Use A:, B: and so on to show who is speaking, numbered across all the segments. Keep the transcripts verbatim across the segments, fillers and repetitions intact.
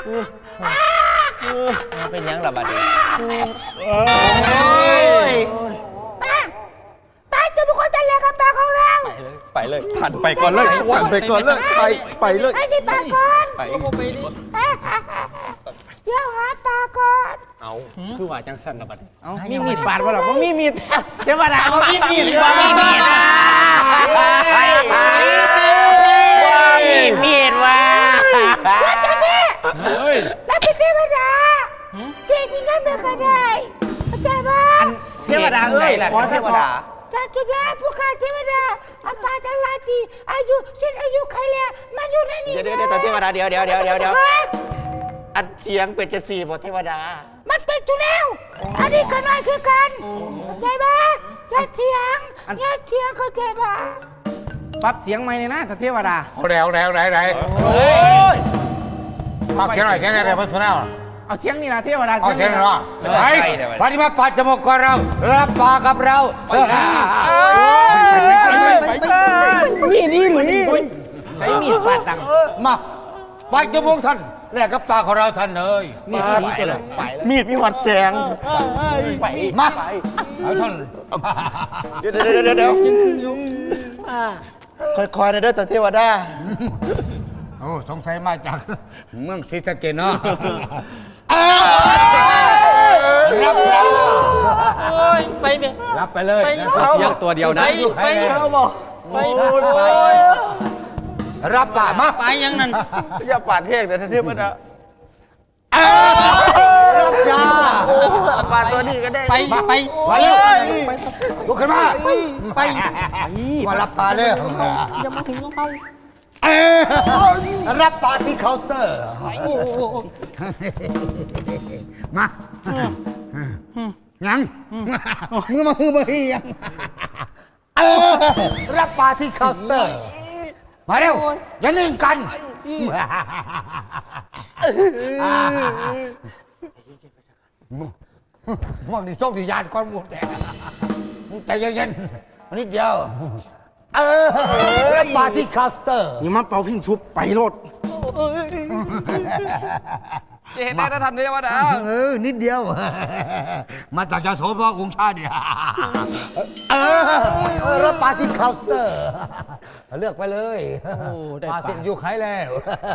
A: เป็นยังระบาดเลย
B: ป้าป้าจะเป็นคนจัดเลี้ยงกับป้าของเรา
C: ไปเลยผ่านไปก่อนเลยผ่านไปก่อนเลยไปไปเลย
B: ไปที่ป้าก่อน
A: ไป
B: เดี๋ยวหาป้าก่อน
C: เอา
A: คือว่าจังสันระบาด
D: เอามีมีดปาดวะหรอว่ามีมีดเทวดาว่ามีมีด
A: ว่ามีมีดว่ามีมีดว่า
B: แล้วจะเนี่ยแล้วเป็นเทวดาเสียมีเงินเดือนก็ได้เข้าใจป่ะ
D: เทวดาเอ้ยขอเทวดา
B: ถ้าจะได้ผู้ข้าเทวดาอาปาทั้งหลายที่อายุสิ้นอายุใครแล้วมาอยู่ในนี้
C: เดี๋ยวเดี๋ยวเดี๋ยวเทวดาเดี๋ยวเดี๋ยวเดี๋ยวเดี๋ยวเดี๋ยวอัดเสียงเป็นจะสี่บทเทวดา
B: มันเป็นจุแล้วอันนี้ก็น้อยคือกันเข้าใจป่ะอย่าเถียงอย่าเถียงเข้าใจป่ะ
D: ปรับเสียงใหม่เลยนะเทวดา
E: เอาแล้วแล้วไหนไหนปรับเสียงหน่อยเสียงอะไรพัฒนา
D: เอาเสียงนี่นะเทวดา
E: เอาเสียงหน่อยไอ้ปฏิมาปัดจมูกกับเรารับปากกับเรา
D: มีนี่หรือนี่ใช้มีดปาดดัง
E: มาปัดจมูกท่านแลกกับปากของเราท่านเลย
D: มีดนี้ไปเลย
C: มีดมีหวัดแสงไป
E: มาเอาท่าน
C: เดี๋ยวเดี๋ยวเดี๋ยวเดี๋ยวค่อยๆนะเด้อเทวดา
E: โอ้สงสัยมาจากเมืองศรีสะเกษเนาะรับรับ
A: โอ้ยไปเม
E: รับไปเลย
A: ยังตัวเดียวนะ
E: ไปเข้าบ่ไปรับป่ามา
A: ไปยังนั่น
C: อย่าปาดเทกเดี๋ยวเทวดา
E: รับจ้า
C: ปาดตัวนี้ก็ได้
A: ไปไป
E: ไปเลยลุกขึ้นมา
A: ไป
E: มารับป่าเลย
A: อย่ามาถึงต้องไป
E: รับปาที่เคาน์เตอร์มายังมือมามือมาฮียังรับปาที่เคาน์เตอร์มาเร็วอย่านิ่งกันมักดิส่งที่ยานก้อนหมดแต่แต่เย็นๆนิดเดียวเออปาร์ตี้คาสเตอร์
D: นี่มาเป่าพิงชุบไปรถ
A: จะเห็นได้ทันเทวดา
E: เออนิดเดียวมาจากจะโสภณองค์ชาติเนี่ยเออรับปาร์ตี้คาสเตอร์เลือกไปเลยมาเสร็จอยู่ใครแล้ว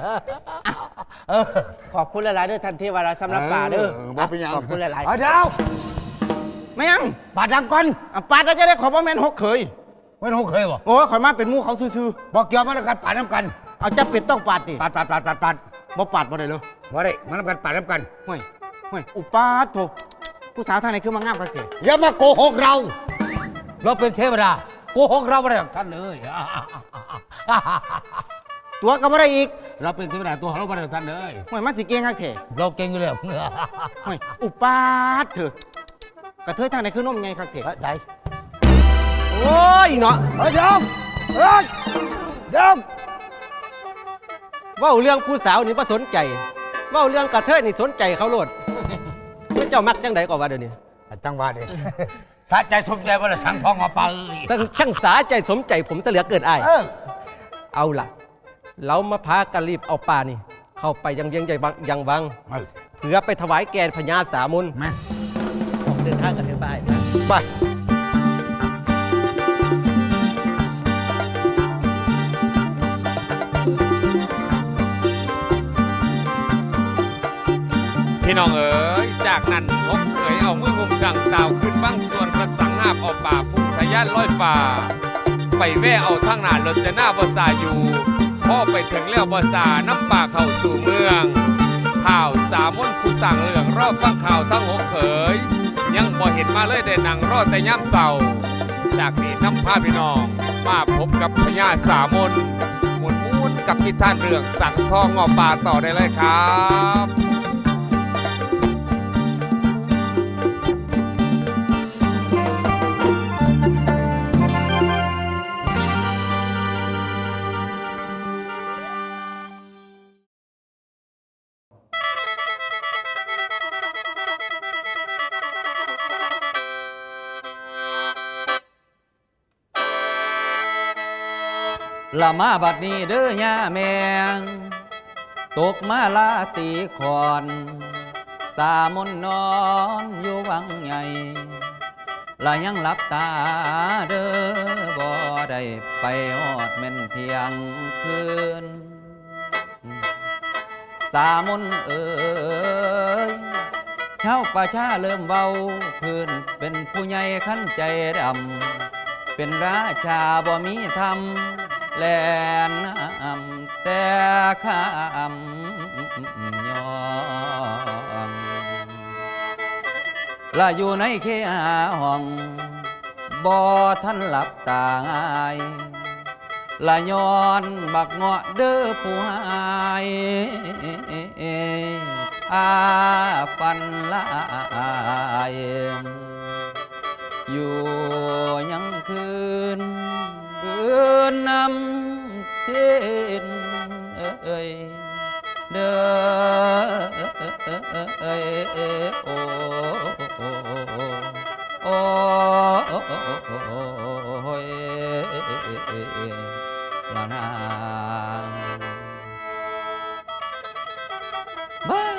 D: ขอบคุณหลายๆด้วยท่านเทวดาสำหรับป่าเด้อขอบคุณหลายๆ
E: เดี๋ยว
D: ไม่ยัง
E: ป่าดังก่อน
D: ป่าเราจะได้ขอพ่อแม่หกเคย
E: ไม่หกเคยวะ
D: โอ้ข่อยมาเป็นมู่เขาซื่อ
E: ๆบอกเกี่ยวมาแล้วกันป่าน้ำกัน
D: เอาจะเป็ดต้องปาดดิ
E: ปาดปาดปาดปาดปาด
D: บ่ปาดบ่ได้เลย
E: บ่ได้มาน้ำกันป่าน้ำกัน
D: ห่วยห่วยอุปาทโถผู้สาวทางไหนคือมางามกันเถอะ
E: อย่ามาโกหกเราเราเป็นเทวดาโกหกเราไม่ได้ท่านเลย
D: ตัวก็ไม่ได้อีก
E: เราเป็นเทวดาตัวเราไม่ได้ท่านเลย
D: ห่วยมันสิเก่งกันเถอะ
E: เราเก่งอยู่แล้ว
D: ห่วยอุปาทเถอะกระเทยทางไหนคือนมไงครับเถอะ
E: ใจ
D: โอ้ยเนาะ
E: เดี๋ยวเฮ้ยเดี๋ยว
A: ว่าเรื่องผู้สาวนี่ไม่สนใจว่าเรื่องกระเทยนี่สนใจเขาโลดไม่เจ้ามักจังใดก่อนว่าเดี๋ยวนี้
E: จังว่าเดี๋ยวสาใจสมใจว่าสังทองมาไป
A: ช่างสาใจสมใจผมจะเหลือเกินไอเอาล่ะเรามาพากันรีบเอาป่านี่เข้าไปยังเวียงใหญ่ยังวังเพื่อไปถวายแกนพญาสามุนเดินทางกันเถอะไป
E: ไป
F: พี่น้องเอ๋ยจากนั้นพบเคยเอามือหุมดังดาวขึ้นบ้างส่วนกระสังหาบเอาป่าพุ่งทะยานลอยฟ้าไปแว่เอาทั้งหน้ารถจะหน้าบสาอยู่พ่อไปถึงแล้วบสาน้ำป่าเข้าสู่เมืองข่าวสามมนผู้สั่งเรื่องรอบฟังข่าวทั้งหกเขยยังบ่เห็นมาเลยได้นั่งรอแต่ย่ำเศร้าจากนี้น้ำพาพี่น้องมาพบกับพญาสามนหมุนมุนกับพิธานเรื่องสังทองงอป่าต่อได้เลยครับ
A: ละมาบัดนี้เด้อย่าแมง
G: ตกมาลาตีขอนสามนนอนอยู่วังใหญ่และยังหลับตาเด้อบ่ได้ไปฮอดแม่นเที่ยงคืนสามนเอ๋ยชาวประชาเริ่มเว้าพื้นเป็นผู้ใหญ่ขั้นใจดำเป็นราชาบ่มีธรรมแลนน้ำแต่ข้ามยองและอยู่ในเคหาห้องบ่ท่านหลับตาง่ายละย้อนบักเงาะเด้อผู้หายอาฟันลายอยู่ยังคืนเบือนนำเส้นเอ้ยเด้อเอ้ยโอ้โอ้โอ้ยละนางบ้า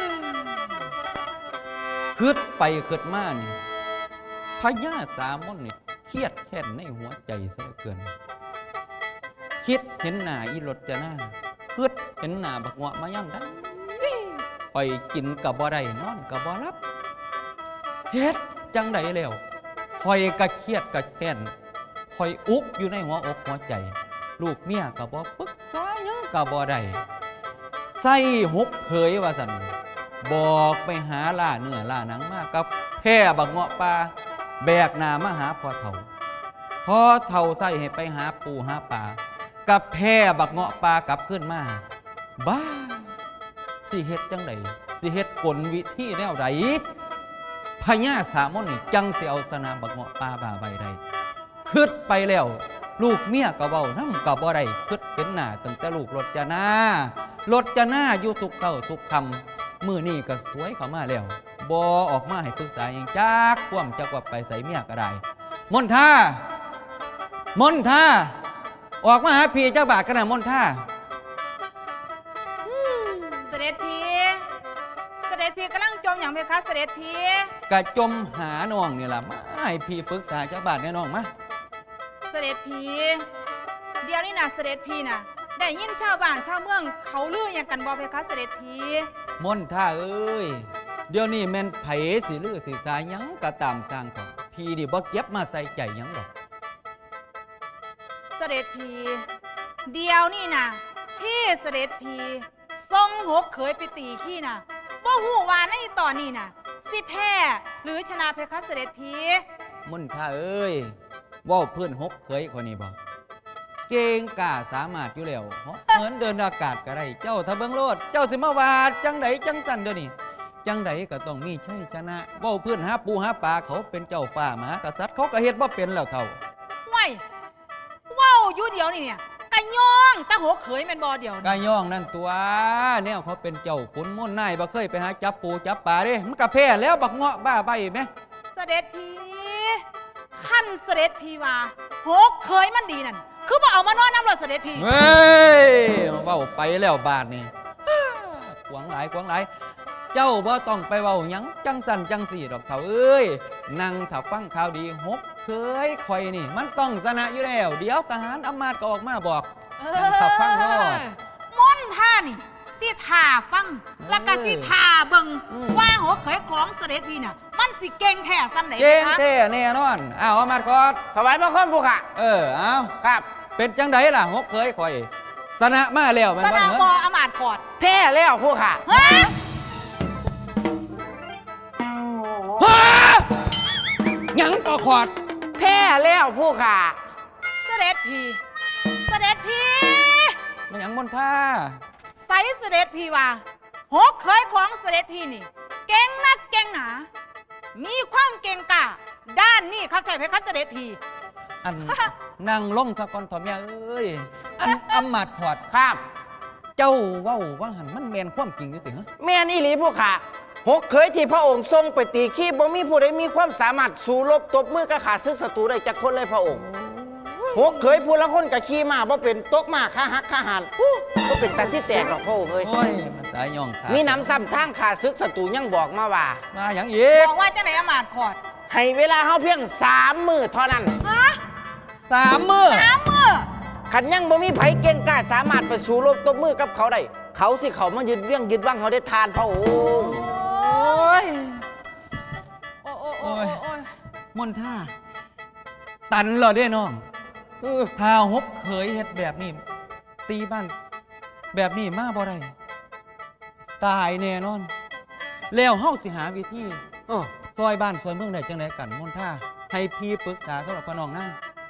G: คืดไปคืดมานี่พญาสามนนี่เครียดแค้นในหัวใจซะเหลือเกินคิดเห็นหน้าอีรถจะหน้าคืดเห็นหน้าบักเงาะมาย่ำได้ไปกินกับบ่ได้นอนกับบ่รับเฮ็ดจังไดแล้วคอยกะเครียดกะแค้นคอยอุกอยู่ในหัวอกหัวใจลูกเมียกับบ่ปรึกษาหยังกับบ่ได้ใส่หกเผยว่าสั่นบอกไปหาล่าเนื้อล่าหนังมากับแพ่บักเงาะปลาแบกหน้ามาหาพ่อเฒ่าพ่อเฒ่าใส่ให้ไปหาปูหาปลากับแพ่บักเงาะปลากลับขึ้นมาบ้าสิเฮ็ดจังไดสิเฮ็ดกลวิธีแนวใดพญาสามนนี่จังสิเอาสนามบักเงาะปลาบ่าใบใดคิดไปแล้วลูกเมียก็เว้านำก็บ่ได้คิดเห็นหน้าตั้งแต่ลูกรถจนารถจนาอยู่ทุกเก้าทุกคำมื้อนี้ก็สวยเข้ามาแล้วบ่ออกมาให้ปรึกษาหยังจักความจักว่าไปใส่เมียก็ได้มนท่ามนท่าออกมาหาพี่เจ้าบาทกันนะมนท่า
B: เสด็จพี่เสด็จพี่กำลังจมอย่างเพคะเสด็จพี่
G: กะจมหาน้องนี่ล่ะมาให้พี่ปรึกษาเจ้าบาทแน่น้องมา
B: เสด็จพี่เดี๋ยวนี้นะเสด็จพี่นะได้ยินชาวบ้านชาวเมืองเขาลืออย่างกันบ่เพคะเสด็จพี่
G: มนท่าเอ้ยเดี๋ยวนี้แม่นไผสิลือสิสายหยังก็ตามสร้างต่อพี่ดิบ่เก็บมาใส่ใจหยังดอก
B: เสด็จพี่เดี๋ยวนี่นะที่เสด็จพี่ทรงหกเขยไปตีขี้นะบ่หูว่าในตอนนี้นะสิแพ้หรือชนะเพคะเสด็จพี่
G: มนท่าเอ้ยเว้าเพื่อนหกเคยคนนี้บ่เก่งกล้าสามารถอยู่แล้วเหมือนเดินอากาศก็ได้เจ้าถ้าเบิ่งโลดเจ้าสิมาวาดจังไดจังสั่นเดี๋ยวนี้จังไดก็ต้องมีชัยชนะเว้าเพื่อนหาปูหาปลาเขาเป็นเจ้าฟ้ามหากษัตริย์เขาก็เฮ็ดบ่เป็นแล้วเท่า
B: ว้ายว้าวอยู่เดียวนี่เนี่ยกะย่องตาหัวเขยแม่นบ่เดียวนี่
G: กาย่องนั่นตัวแนวเขาเป็นเจ้าขุนม่นนายบ่เคยไปหาจับปูจับปลาเด้มันก็แพ้แล้วบักเงาะบ้าใบแม่
B: เสด็จพี่ขั้นเสด็จพี่ว่าหกเขยมันดีนั่นคือบ่เอามานอนน้ำรถเสด็จพี่
G: เฮ้ยเว้าไปแล้วบาดนี่ขวางหลายขวางหลายเจ้าบ่ต้องไปเว้าหยังจังสั่นจังสี่ดอกเฒ่าเอ้ยนั่งถ้าฟังข่าวดีหกเคยข่อยนี่มันต้องชนะอยู่แล้วเดี๋ยวทหารอำมาตย์ก็ออกมาบอก
B: เอ
G: นั่งถ้าฟังโลด
B: มนท่านี่สิท่าฟังแล้วก็สิท่าเบิ่ง
G: อืม
B: ว่าหัวเขยของเสด็จพี่น่ะมันสิเก่งแท้ซ้ำไหน
G: เก่ง
B: คะ
G: แท้แน่นอนอ้าวอำมาตย์กอด
D: ถวายบังคมผู้ค่ะ
G: เออเอา
D: ครับ
G: เป็นจังไดล่ะหกเคยข่อยชนะมาแล้วแม่น
B: ส
G: บ่
B: นาม
G: เหร
B: บอ
G: อ
B: อมาตย์ขอด
D: แพ้แล้วผู้ค่ะ
B: เฮ้ย
G: ฮ่าหยังก็ขอด
D: แพ้แล้วผู้ค่ะ
B: เสด็จพี่เสด็จพี่
G: มันหยังมนท่า
B: ใส่เสด็จพี่ว่าหกเขยของเสด็จพี่นี่ เก่งนักเก่งหนา มีความเก่งกล้าด้านนี้ข้าใจเพคะเสด็จพี่
G: อัน นั่งลงสะก่อนทอมยาเอ้ยอันอำมาตย์ขอด
D: ครับ
G: เจ้าเว้าว่าหันมันแมนความจริงอยู่ติฮะ
D: แม่นอีหลีผู้ค่ะหกเคยที่พระองค์ทรงไปตีขี้บ่มีผู้ใดมีความสามารถสู้รบตบมือกับขาศึกศัตรูได้จักคนเลยพระองค์
G: โอ้ย
D: หกเคยพูดละคนกับขี้มาบ่เป็นตกมาขาหักขาหันอู้บ่เป็นตาสิแตกดอกพ่อเอ้ย
G: โอ้ยมันสายย่องขา
D: มีน้ำซ้ำทางขาซึกศัตรูยังบอกมาว่า
G: มาอย่างอีก
B: บอกว่าจังไหนอำมาตย์ขอด
D: ให้เวลาเฮาเพียงสามมื้อเท่านั้น
B: ฮะ
G: สามมือ
B: สามมือ
D: คันยังบ่มีไผเก่งกล้าสามารถไปสู้รบตบมือกับเขาได้เขาสิเขามายึดเวียงยึดวังเขาได้ทานพระองค์
G: โอ้ย
B: โอ้โอ้โอ้โอ้โอ้ย
G: มนท่า ตันเหรอเด้น้อง
D: เออ
G: ถ้าหกเคยเฮ็ดแบบนี้ ตีบ้านแบบนี้มาบ่ได้ตายแน่นอน แล้วเฮาสิหาวิธี
D: เออ
G: ซอยบ้านซอยเมืองได้จังไดกันมนท่า ให้พี่ปรึกษาสำหรับพี่น้องนะ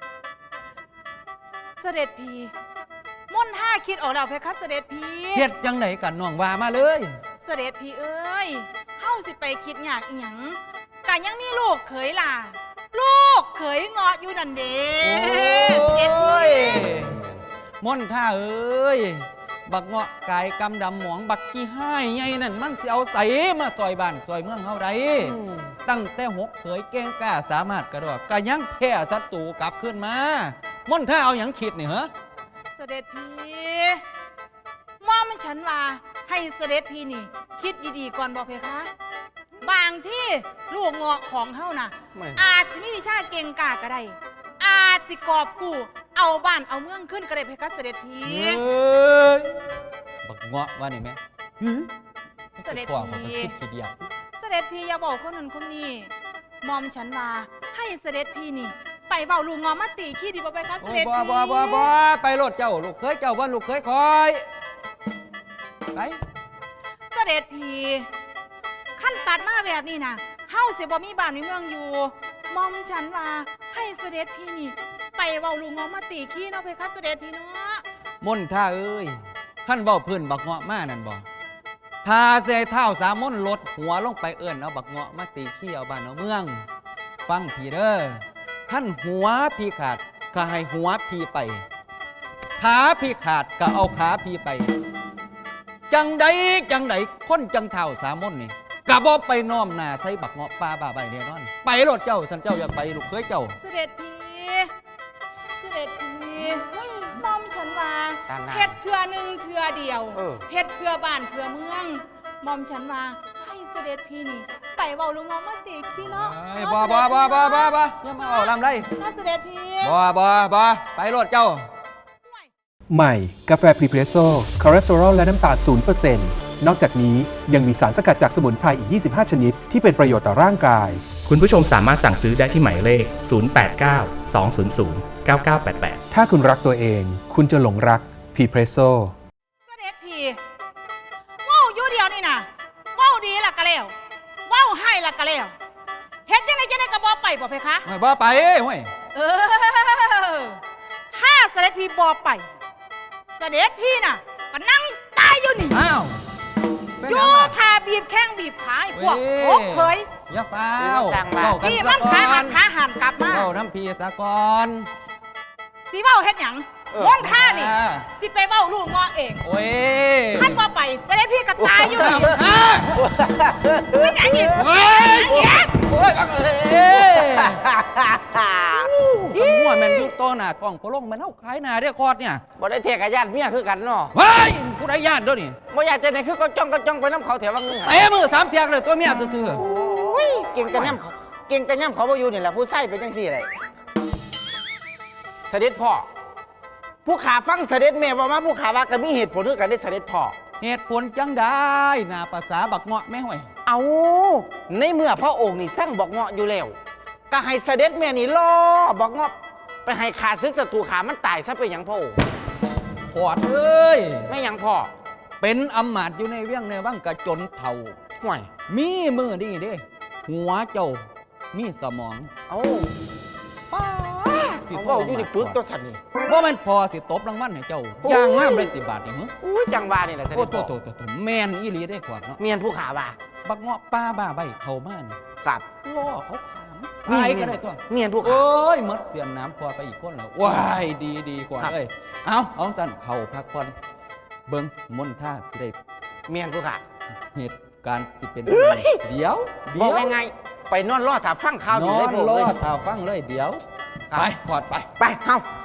B: เสด็จพีมนท่าคิดออกแล้วเพคะเสด็จพี
G: เฮ็ดจังไดกันน้องว่ามาเลย
B: เสด็จพีเอ้ยเฮาสิไปคิดอยากอีหยังกันยังมีลูกเขยล่ะ ลูกเขยเงาะอยู่นั่นเด้เสด็จพี
G: มนท่าเอ้ย บักเงาะกายกำดำหมองบักขี้ห้ายไงนั่นมันสิเอาใสมาซอยบ้านซอยเมืองเฮาได้ ตั้งแต่หกเผยเก่งกล้าสามารถกระโดดก็ยังแพ้ศัตรูกลับขึ้นมามนท่าเอาอย่างคิดนี่เหรอ
B: เสด็จพีมอมันฉันว่าให้เสด็จพีนี่ คิดดีๆก่อนบอกเพคะ บางที่ลูกเงาะของเฮาน่ะ
D: ไม่
B: อาจสิมีวิชาเก่งกาก็ได้ อาจสิกอบกู้เอาบ้านเอาเมืองขึ้นก็ได้เพคะเสด็จพี
G: เฮ้ยบักเงาะว่านี่แม่หือ
B: เสด็จ
G: พ่อ
B: พี
G: ผมก็คิดขี้เดียด
B: เสด็จพีอย่าบอกคนนั้นคนนี้มอมฉันว่าให้เสด็จพีนี่ ไปเบาลูกเงาะมาตีขี้ดีบ่ไปคะเส
G: โอ้
B: ด็จ
G: บ่
B: พี
G: บ่บ่บ่ไปโลดเจ้าลูกเคยเจ้าว่าลูกเคยคอยไป
B: เสด็จพีขั้นตัดมาแบบนี้นะเฮาเสียบ่มีบ้านมีเมืองอยู่ มอมฉันว่าให้เสด็จพีนี่ ไปเบาลูกเงาะมาตีขี้เนาะเพคะเสด็จพีเนาะ
G: มนท่าเอ้ยขั้นเว้าเพื้นบักเงาะมานั่นบ่ถ้าเสยเท้าสามมนลดหัวลงไปเอิ้นเอาบักเงาะมาตีขี้เอาบ้านเอาเมือง ฟังพี่เด้อขั้นหัวพี่ขาดก็ให้หัวพี่ไป ขาพี่ขาดก็เอาขาพี่ไป จังใดจังใดคนจังเท้าสามมนนี่กะบ่ไปน้อมหน้าใส่บักเงาะปลาบ้าใบแน่นอน ไปโลดเจ้าสันเจ้าอยากไปลูกเคยเจ้า
B: เสด็จพีเสด็จพีมอมฉันว่า
D: ตามนั้น
B: เฮ็ดเทื่อหนึ่งเทื่อเดียว
D: เออ
B: เฮ็ดเพื่อบ้านเพื่อเมือง มอมฉันว่าให้เสด็จพี่นี่ ไปเว้าลุงงอมาติขี้เนาะ
G: เอ้ยบ่บ่บ่บ่บ่บ่อย่ามาออกลำไร
B: เนาะเสด็จพี่
G: บ่บ่บ่ไปโลดเจ้า
H: ใหม่ กาแฟพรีเพรสโซ่คอเลสเตอรอลและน้ำตาล ศูนย์เปอร์เซ็นต์ นอกจากนี้ยังมีสารสกัดจากสมุนไพรอีก ยี่สิบห้า ชนิด ที่เป็นประโยชน์ต่อร่างกาย
I: คุณผู้ชมสามารถสั่งซื้อได้ที่หมายเลข ศูนย์ แปด เก้า สอง ศูนย์ ศูนย์ เก้า เก้า แปด แปด
H: ถ้าคุณรักตัวเอง คุณจะหลงรักพรีเพรสโซ่
B: เสด็จพี่เว้าอยู่เดียวนี่นะเว้าดีล่ะก็แล้วเว้าให้ล่ะก็แล้วเฮ็ดจังไดจังไดก็บ่ไปบ่เพคะ
G: บ่ไปห้วย
B: เออ ถ้าเสด็จพี่บ่ไป เสด็จพี่น่ะก็นั่งตายอยู่นี่
G: อ้าวเป็น
B: อ
G: หยั
B: ยู่
G: งล่ะ
B: ทาบีบแข้งบีบขาให้พวก
G: เว้ย
B: โคกเคย
G: อย่าฟ้า
D: เดี๋ยว
G: ว
D: มาสั่งมา
G: เว้กั
B: พี่
G: ซะ
B: มัน
G: ก่อ
B: ขาหันขาหันกลับมา
G: เว้าน้ำพีสะก่อน
B: สิเว้าเฮ็ดหยัง
G: เออ
B: ม่วนท่านี่
G: อ่า
B: สิไปเว้าลูกงอเอง
G: โอ้ย
B: ท่านบ่ไปเสด็จพี่ก็ตายอยู่นี่
G: อ่า
B: มันหยังอีก
G: โอ้ย
B: มันหยัง
G: โอ้ยบักเอ้ยสมมติมันอยู่ต่อหน้ากล้องโคลงมันเอาขายหน้าเด้อคอร์ดเนี่ย
D: บ่ได้เทกกับญาติเมียคือกันเนาะ
G: เฮ้ยผู้ใดญาติเด้อนี่
D: บ่อยากจะไหนคือก็จ้องก็จ้องไปน้ำเขาแถวว่างนึงอะ
G: เตะมือสามเทียกเลยตัวเมียซื่อ
D: อุ้ยเก่งแต่ย่ำเขาเก่งแต่ย่ำเขาบ่อยู่นี่แหละผู้ใส่เป็นจังซี่เลยเสด็จพ่อผู้ขาฟังเสด็จแม่ว่ามาผู้ขาว่าก็มีเหตุผลคือกันได้เสด็จพ่อ
G: ๆเหตุผลจังได้หน้าภาษาบักเงาะแม่ห่วย
D: เอาในเมื่อพระองค์นี่สร้างบอกเงาะอยู่แล้วก็ให้เสด็จแม่นี่ล่อบอกเงาะไปให้ขาซึกศัตรูขามันตายซะไปหยังพระองค์
G: พอดเอ้ย
D: ไม่หยังพ่อ
G: เป็นอำมาตย์อยู่ในเวียงในวังกระจนเท่า
D: ห่วย
G: มีมือดีเด้ หัวเจ้า มีสมอง
D: เอา
G: ป้า
D: เอาเว่าอยู่ในปึกตัวสันนี่
G: ว่ามันพอสิตบรางวัลให้เจ้า ย่างงามเลยติบาทนี่หึ
D: อุ้ยจังหวานี่แหละเส
G: โอ้
D: ด็จ
G: โต
D: พ่อ
G: โตโตโตแมนอีหลีได้ขวดเนาะ
D: เมียนผู้ขาว่า
G: บักเงาะป้าบ้าใบเข้ามานี่
D: ครับ
G: ล่อเขาขามตายก็ได้ตัว
D: เมียนผู้ขา
G: โอ้ยหมดเสียนน้ำพอไปอีกคนแล้วว้ายดีดีกว่า
D: ครับ
G: เลยเอาเอาสั่นเข่าพักผ่อนเบิ้งมนท่าจะได้
D: เมียนผู้ขา
G: เหตุการณ์สิเป็น
D: เอ้ย
G: เดี๋ยวเดี๋
D: บ
G: ย
D: อก
G: ว
D: ง่ายๆไปนอนรอถ้าฟังข่าวดี
G: น
D: เล
G: อย น
D: พระอง
G: ร
D: ค์
G: อ
D: เลย
G: ท่าฟังเลยเดี๋ยว
D: ไปขอดไปไปเฮาไป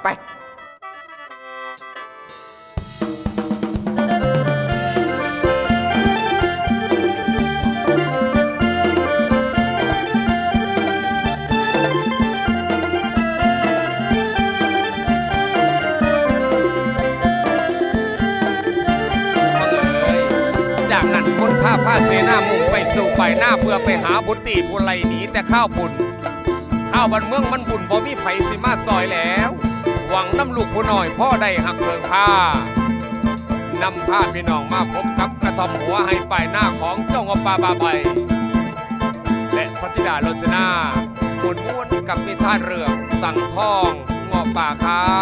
F: จากนั้นคนพาผ้าเสนามุ่งไปสู่ไปหน้าเพื่อไปหาบุตรีผู้ไลหนีแต่ข้าวบุญข้าวบันเมืองมันบุญบ่มีไผสิมาซอยแล้ว หวังน้ำลูกผู้น้อยพ่อได้หักเพิงผ้านำผ้าพี่น้องมาพบกับกระทอมหัวให้ไปหน้าของเจ้างอปลาบาใบและพระธิดาโรจนาหมุนม้วนกับนิทานเรื่องสังทองงอป่าครับ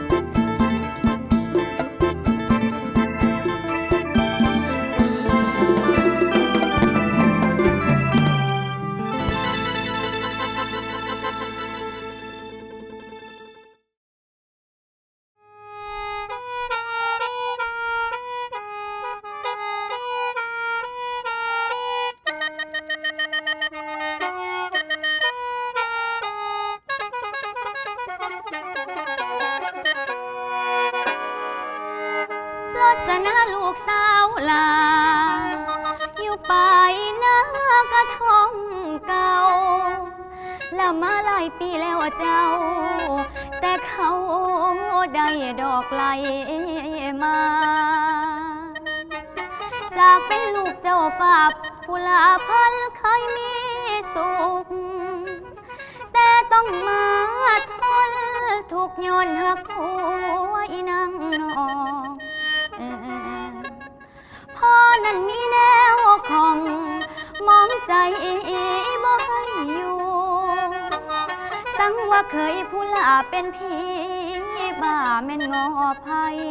J: รจนาลูกสาวลาอยู่ไปนากระท่อมเก่าละมาหลายปีแล้วเจ้า แต่เขาได้ดอกไล่มา จากเป็นลูกเจ้าฝาบผู้ลาพันเคยมีสุข แต่ต้องมาทนทุกย้อนหักผัวอีนางนองพ่อนั้นมีแนวของมองใจบ่ให้อยู่ สังว่าเคยผู้ลาเป็นผีบ้าแม่นงอภัย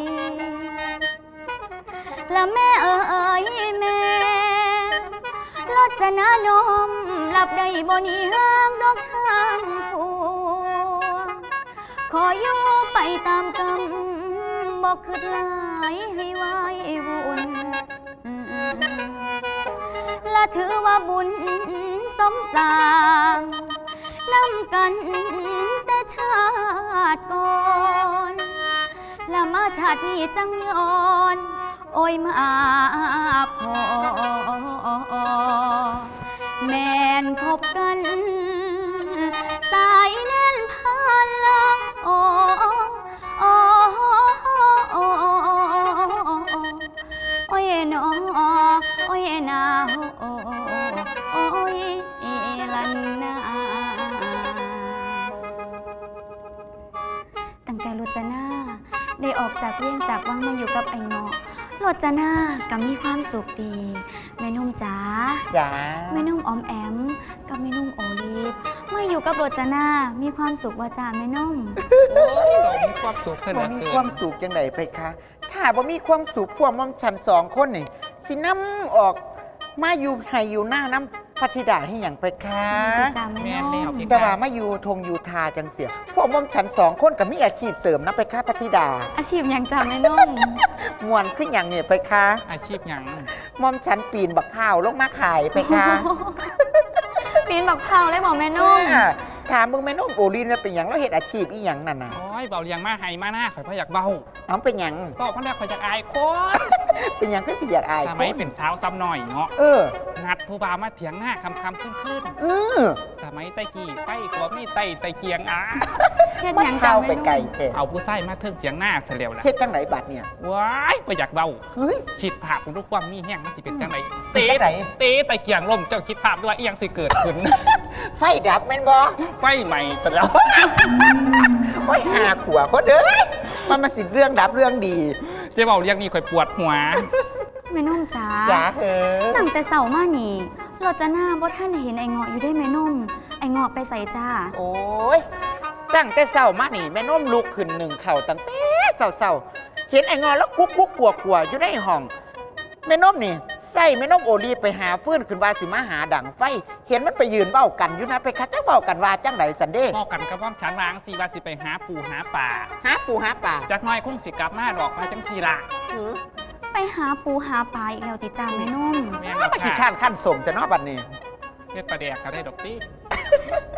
J: และแม่เอ๋ยแม่รจนานมหลับได้บ่หนีห่างดอกทางผัวขออยู่ไปตามกรรมบอกคืดหลายให้ไว้บุญและถือว่าบุญสมสร้างนำกันแต่ชาติก่อนและมาชาตินี้จังย้อนโอ้ยมาพอแม่นพบกันสายแน่นพันละโอ้โอ้โอ้โอ้ยนอโอ้ยนาโอ้โอ้ยลันนาตั้งแต่รจนาได้ออกจากเลี้ยงจากวังมาอยู่กับไอ้เงาะรจนาก็มีความสุขดีแม่นุ่มจ๋า
D: จ๋า
J: แม่นุ่มออมแอมกับแม่นุ่มโอลีฟเมื่ออยู่กับรจนามีความสุขว่าจ๋าแม่นุ่ม
F: โอ้ยเรามีความสุขข
D: บ่
F: นาด
D: มี
F: เกิ
D: ความ
F: น
D: สุขจังไดไปคะถ้าบ่มีความสุขพวกมอมฉันสองคนนี่สินำออกมาอยู่ให้อยู่หน้าน้ำพัทธิดาให้หยังไปคะ
J: จ๋าแม่
F: แม่น
J: นุ่
F: แล้ว
J: ม
F: พี่
D: แต่ว่ามาอยู่ทงอยู่ทาจังเสียพวกมอมฉันสองคนก็มีอาชีพเสริมนะไปคะพัทธิดา
J: อาชีพอย่างจ๋าแม่นุ่ม
D: มวนขึ้นอย่างเนี่ยไปคะ
F: อาชีพหยัง
D: มอมฉันปีนบักพร้าวลงมาขายไปคะ
J: ปีนบักเผาเลยบอกแม่นุ่ม
D: อ่าถามมึงแม่นุ่มโอลินเป็นหยังแล้วเฮ็ดอาชีพอีหยังนั่นน่ะ
F: โอ้ยเบาเลียงมาให้มาหน้าข่อยพอยากเบา
D: น้องเป็นหยัง
F: ก็พันแรกข่อยอยากอายโคตร
D: เป็นหยังก็สิอยากอาย
F: สมัย
D: คน
F: เป็นสาวซ้ำหน่อยเนาะ
D: เออ
F: นัดผู้บ่าวมาเถียงหน้าคำคำขึ้นขึ้น
D: เออ
F: สมัยไต้กี้ไต้กว่ามีไต้ไต้เกียงอ่ะ
J: เฮ็ด
D: มัน
J: หยัง
D: เข้า
J: จ๋า
D: ไป
J: แม่นุ่ม
D: ไกลแท้
F: เอาผู้ใส่มาเทิงเถียงหน้าเสียแล้วล่ะ
D: เฮ็ดจังไหนบัดเนี่ย
F: ว้ายก็อยากเบา
D: เฮ้ย
F: คิดภาพของทุกความมีแห้งมันจะเป็นจังไหน
D: เป็
F: เตะ
D: นจังไหน
F: เตะไต้เกียงลมเจ้าคิดภาพด้วยว่าอีหยังสิเกิดขึ้น
D: ไฟดับแม่นบ่
F: ไฟใหม่เสร็จแล้ว
D: โอ้ยหาขวคนเด้อมันมาสิเรื่องดับเรื่องดี
F: เจ๊เบาเรียกนี่ข่อยปวดหัว
J: แม่นุ่มจ๋า
D: จ๋าเหอ
J: ตั้งแต่เสาร์มานี่รจนาบ่ท่านเห็นไอ้เงาะอยู่ได้แม่นุ่มไอ้เงาะไปใส่จ้า
D: โอ้ยตั้งแต่เช้ามานี่แม่นุ่มลุกขึ้นหนึ่งเข่าตั้งแต่เช้าๆเห็นไอ้งอแล้วกุ๊กกุ๊กกลัวกลัวๆอยู่ในห้องแม่นุ่มนี่ใส่แม่นุ่มโอลีไปหาฟื้นขึ้นว่าสิมาหาดังไฟ เห็นมันไปยืนเบ้ากันอยู่นะไปคัดจะเบ้ากันว่าจังไดสันเด้
F: บอกกันกับว่าฉันวางสีว่าสิไปหาปูหาป่า
D: หาปูหาป่า
F: จักหน้อยคงสิกลับมาดอกมาจังสีละ
D: หือ
J: ไปหาปูหาปลาอีกแล้วติจ้าแม่นุ่ม
F: แม่น
D: มาขี้ข้านขั้นสมจะเนอบัดนี้
F: เฮ็ดปลาแดกก็ได้ดอกตี้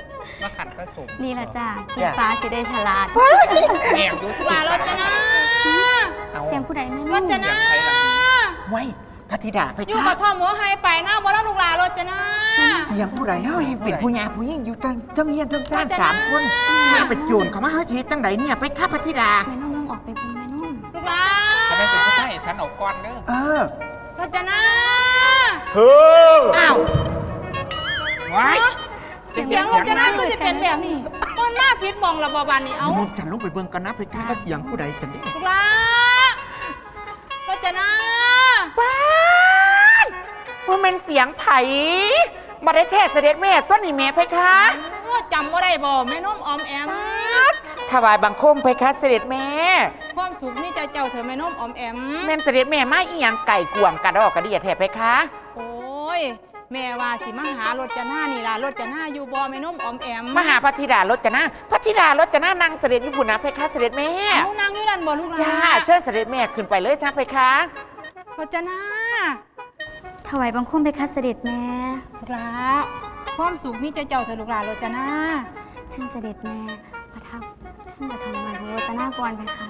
G: มาขัดกระสม
J: นี่ละจ้ากินปลาสิได้ฉลาด
G: แอบอยู่
B: ลูกหลานรจนา
J: เสียงผู้ใดไม่
B: ร
J: รู้
B: จนา
D: ไว้พระธิดาไป
B: อยู่
D: ค่ะ
B: กับท่อมหัวไฮไปหน้าบ่แล้วลูกหลานรจนา
D: เสียงผู้ใดเฮาเองเป็นผู้หญิงผู้หญิงอยู่ทั้งทั้งเฮียนทั้งซ่าน
B: ว่าจะ
D: สาม
B: นะ
D: คนมาเป็นโจรเขามาเฮาสิเฮ็ดจังไดเนี่ยไปค่ะพระธิดา
J: แม่นุ่มต้องออกไปบุญแม่นุ่ม
B: ลูกหลาน
G: จะไม่เป็นผู้ใช่ฉันเอาก้อนเด้อ
D: เออ
B: รจนา
D: เฮ้อ
B: อ้าว
G: ไว้
B: เสียงรจนาคือจะเป็นแบบนี้มันน่าพิษมองระบอบานนี่เอา
D: มุมฉันลงไปเบิ่งกันนะไปค่ะว่าเสียงผู้ใดสันเด้
B: ลูกหลานรจนา
D: ป้าดว่ามันเสียงไผบ่ได้แท้เสด็จแม่ต้นนี่แม่เพคะ
B: โอ้จำว่าได้บ่แม่น้มออมแอม
D: ถวายบังคมเพคะเสด็จแม่
B: ความสุขนี่เจ้าเจ้าเธอแม่น้มออมแอม
D: แม่นเสด็จแม่มาอีหยังไก่กวมกระดอกกระเดียแท้เพคะ
B: โอ้ยแม่ว่าสิมาหารจนานี่ล่ะรจนาอยู่บ่แม่น้มออมแอม
D: มหาพระธิดารถจะนะพระธิดารถจะนะนางเสด็จญี่ปุ่นนะเพคะเสด็จแม่
B: เอานางอยู่นั่นบ่ลูกหลาน
D: จ้าเชิญเสด็จแม่ขึ้นไปเลยนะเพคะ
B: รจนา
J: ถวายบังคมไปคัดเสด็จแม่
B: ลูกหลานความสุขนี่เจ้าเจ้าเธอลูกหลานรจนา
J: เชิญเสด็จแม่ประทับท่านประทองมาของโรจนาก่อนไปคะ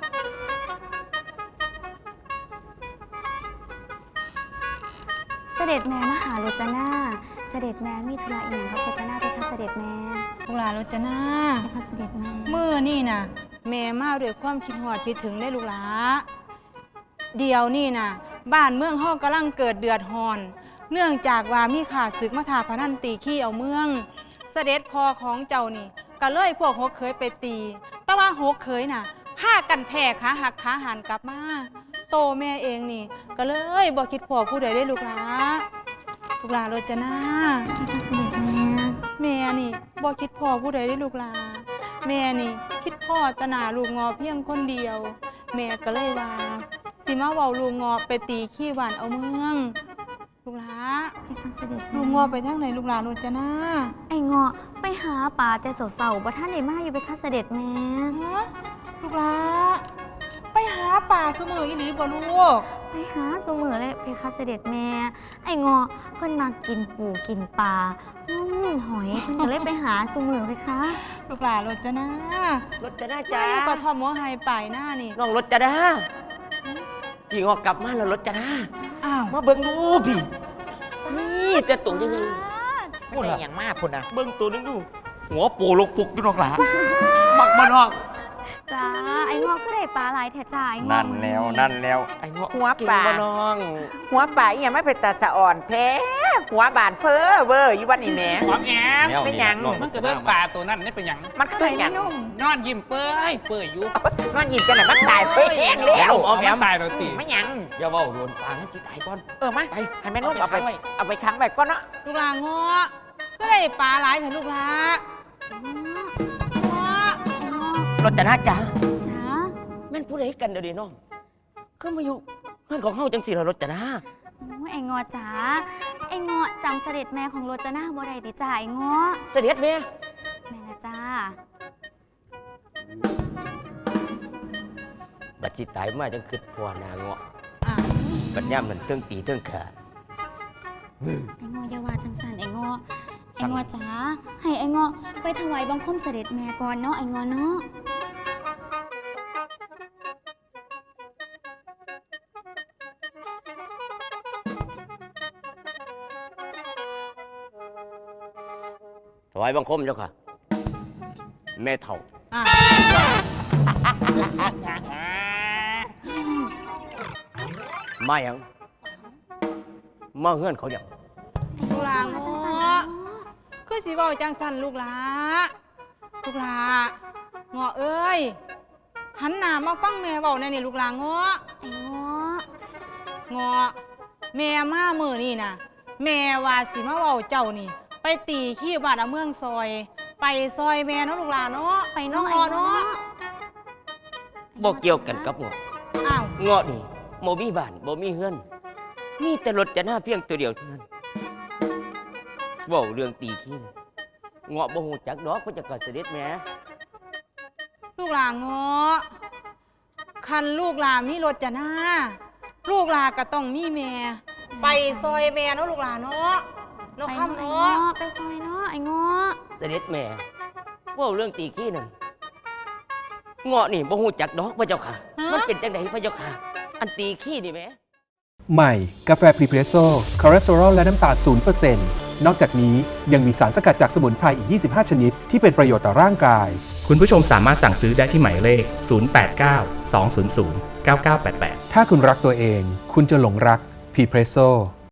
J: เสด็จแม่มาหาโรจนาเสด็จแม่มีธุระอีกอย่างครับโรจนาไปคัดเสด็จแม่
B: ลูกหลานรจนา
J: ไปคัดเสด็จแม่
B: มื้อนี่น่ะแม่มาด้วยความคิดฮอดคิดถึงได้ลูกหลานเดี๋ยวนี่น่ะบ้านเมืองเฮากำลังเกิดเดือดร้อน เนื่องจากว่ามีข่าศึกมาทาพนันตีขี้เอาเมือง เสด็จพ่อของเจ้านี่ก็เลยพวกหกเคยไปตี แต่ว่าหกเคยน่ะพากันแพ้ขาหักขาหันกลับมาโตแม่เองนี่ก็เลยบ่คิดพ่อผู้ใดได้ลูกหลาลูกหลาโรจนา
J: ไปคัดเสด็จแม่
B: แม่นี่บ่คิดพ่อผู้ใดได้ลูกหลาแม่นี่คิดพ่อตะหนาลูกงอเพียงคนเดียว แม่ก็เลยว่าสิมาเว้าลูกงอไปตีขี้หวานเอาเมืองลูกหลา
J: ไปคัดเสด็จแม่
B: ลูกงอไปทางไหนลูกหลานโรจนา
J: ไอ้เงาะไปหาป่าแต่เสาๆบ่ท่านได้มาอยู่ไปคัดเสด็จแม่
B: ฮะลูกหลาไปหาป่าสมืออีหลีบ่ลูก
J: ไปหาสูมือเลยไปคัดเสด็จแม่ ไอ้เงาะเพิ่นมากินปูกินปลาอืมหอยเพิ่นก็เลยไปหาสูมือไปคะ
B: ลูกหลานโรจนาร
C: ถจะได้
B: จ้า
C: จ้า
B: ก็ทอมหัวไฮไปหน้านี่
C: น้องรถจะได้พี่งอกกลับมาแล้วรถจะได้
B: อ้าว
C: มาเบิ่งดูพี่นี่แต่ตัวยังไง
D: พูดอะไรอย่างมากคุณนะ
C: เบิ่งตัวนึงดูหัวโปลกปุกอยู่นอกหลามักบ่นอก
J: จ้าไอ้เงาะก็ได้ปลาหลายแท้จ้าไอ้เงาะ
C: นั่นแล้วนั่นแล้วไอ้งอก
D: หัว
C: กิน
D: ป่า
C: บ่น้อง
D: หัวป่าอีหยังไม่เป็นตาสะอ่อนแท้หัวบานเพ้อเวอร์อยู่วันนี้แหม่
G: หอมแอม
C: แล้ว
D: เป็นหยัง
C: น้อ
G: มันก็เบิ่งปลาตัวนั้นนี่เป็นหยัง
D: มัน
J: ก็
D: คื
J: เล
D: อย หยั
J: ไม่
D: ง
J: นุ่ม
G: นอนยิ้มเปื่อยเปื่อยอยู่
D: นอนหยิบกันไหนะมันตายไปเองแล้ว
G: เอาแอมตายเราตี
D: ไม่หยัง
C: อย่าเว้าโดนปางให้สิตายก่อน
D: เออมา
C: ไป
D: ให้แม่นุ่ม
C: เอา
D: เอา
C: ไป
D: ไป เอาไปค้างไว้ก่อนเนาะ
B: ลูกหลานงอก็ได้ปลาหลายเถอะลูกหลานงอ
C: รถจะได้จ้า
J: จ้า
C: แม่นผู้ใดกันเดี๋ยวนี้น้องคือมาอยู่เพื่อนของเฮาจังสิล่ะรถจะได้
J: โอ้ยไอ้เงาะจ้าไอ้เงาะจำเสด็จแม่ของโรจนาบ่ได้ติจ้าไอ้เงาะ
C: เสด็จแม่
J: แม่ละจ้า
C: บัดสิตายมาจังคิดพ่อหนาเงาะ
B: อ่ะ
C: บัดย่ำมันเทิงตีเทิงขา
J: ไอ้เงาะอย่าว่าจังสันไอ้เงาะไอ้เงาะจ้าให้ไอ้เงาะไปถวายบังคมเสด็จแม่ก่อนเนาะไอ้เงาะเนาะ
C: ถวายบังคมเจ้าค่ะ แม่เฒ่า
B: อ่ะ
C: มาหยังมาเฮือนเขาหยัง
B: ลูกหลานง
J: จัง
B: อ
J: สันไอ้เงาะ
B: คือสิเว้าจังสันลูกหลาลูกหลางอเอ้ยหันหน้ามาฟังแม่เว้าแน่นี่ลูกหลางอ
J: ไอ้เงาะ
B: งอแม่มามือนี่นะแม่ว่าสิมาเว้าเจ้านี่ ไปตีขี้บ้านเอาเมืองซอย ไปซอยแม่เนาะลูกหลานเนาะ
J: ไป
B: น้อง
J: เนาะ
B: อ
J: ไอ้
B: เนาะ
J: เงาะ
C: บ่เกี่ยวกันกับเงาะ
B: อ้าว
C: เงาะนี่บ่มีบ้านบ่มีเฮือนมีแต่รถจะหน้าเพียงตัวเดียวเท่านั้นเว้าเรื่องตีขี้น่ะเงาะบ่ฮู้จักดอกเพิ่นจะกเสด็จแม่
B: ลูกหลานงอคันลูกหลานมีรถจะหน้า ลูกหลานก็ต้องมีแม่ ไปซอยแม่เนาะลูกหลานเนาะเนาะ
J: ไป
B: ค่ำ
J: เนาะ
B: เนาะ
J: ไปซอยเนาะไอ้เงาะ
C: เสด็จแม่เว่าเรื่องตีขี้นั่นเงาะนี่บ่ฮู้จักดอกพระเจ้าค่ะ มันเป็นจังไดพระเจ้าค่ะ อันตีขี้นี่แหม
H: ใหม่ กาแฟพรีเพรสโซ่คอเลสเตอรอลและน้ำตาล ศูนย์เปอร์เซ็นต์ นอกจากนี้ยังมีสารสกัดจากสมุนไพรอีก ยี่สิบห้า ชนิดที่เป็นประโยชน์ต่อร่างกาย
I: คุณผู้ชมสามารถสั่งซื้อได้ที่หมายเลข ศูนย์ แปด เก้า สอง ศูนย์ ศูนย์ เก้า เก้า แปด แปด
H: ถ้าคุณรักตัวเอง คุณจะหลงรักพรีเพรสโซ่